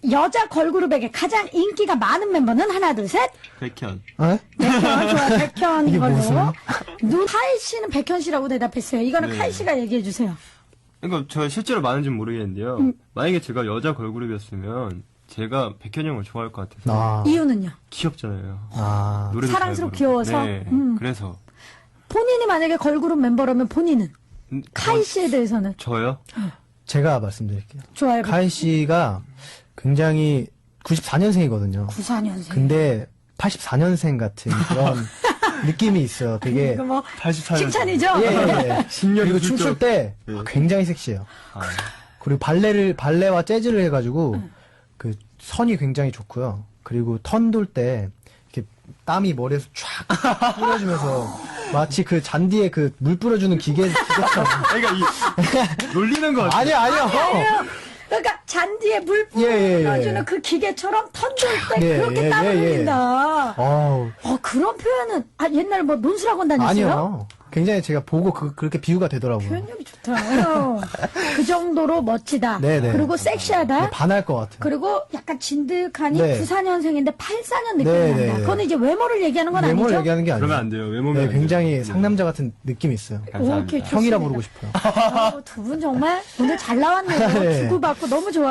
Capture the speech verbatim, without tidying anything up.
여자 걸그룹에게 가장 인기가 많은 멤버는 하나, 둘, 셋. 백현. 어? 백현, 좋아, 백현 이게 걸로. 무슨? 누, 카이 씨는 백현 씨라고 대답했어요. 이거는 네. 카이 씨가 얘기해 주세요. 그러니까 저 실제로 많은지는 모르겠는데요. 음. 만약에 제가 여자 걸그룹이었으면 제가 백현 형을 좋아할 것 같아서. 아. 이유는요? 귀엽잖아요. 아. 노래도 사랑스럽고 잘 부르고. 귀여워서? 네. 음. 그래서 본인이 만약에 걸그룹 멤버라면 본인은? 음, 카이 어, 씨에 대해서는? 저요? 제가 말씀드릴게요. 좋아요. 카이 씨가 굉장히 구십사 년생이거든요. 구십사 년생. 근데 팔십사 년생 같은 그런 느낌이 있어요. 되게. 이거 뭐, 팔십사 년. 칭찬이죠? 예, 예, 예. 십 년이 그리고 훌쩍. 춤출 때 예. 굉장히 sek시해요. 아, 그리고 발레를, 발레와 재즈를 해가지고 그 선이 굉장히 좋고요. 그리고 턴 돌 때 이렇게 땀이 머리에서 쫙 뿌려주면서 마치 그 잔디에 그 물 뿌려주는 기계, 기계처럼. 그러니까 이 놀리는 거 같아요. 아니야, 아니야. 아니에요. 그러니까 잔디에 물 예, 예, 예. 뿌려주는 그 기계처럼 턴돌 때 예, 그렇게 예, 땀을 예, 예. 흘린다. 어우, 어, 그런 표현은, 아, 옛날 뭐 논술학원 다녔어요? 아니요. 굉장히 제가 보고 그, 그렇게 비유가 되더라고요. 표현력이 좋다. 어. 그 정도로 멋지다. 네네. 그리고 섹시하다. 네, 반할 것 같아요. 그리고 약간 진득하니 네. 구십사 년생인데 팔십사 년 느낌이 네네. 난다. 그거는 이제 외모를 얘기하는 건 외모를 아니죠? 얘기하는 게 아니에요. 그러면 안 돼요. 외모면 네, 안 돼요. 굉장히 네. 상남자 같은 느낌이 있어요. 감사합니다. 오케이, 형이라 좋습니다. 부르고 싶어요. 두 분 정말 오늘 잘 나왔네요. 네. 주고받고 너무 좋아요.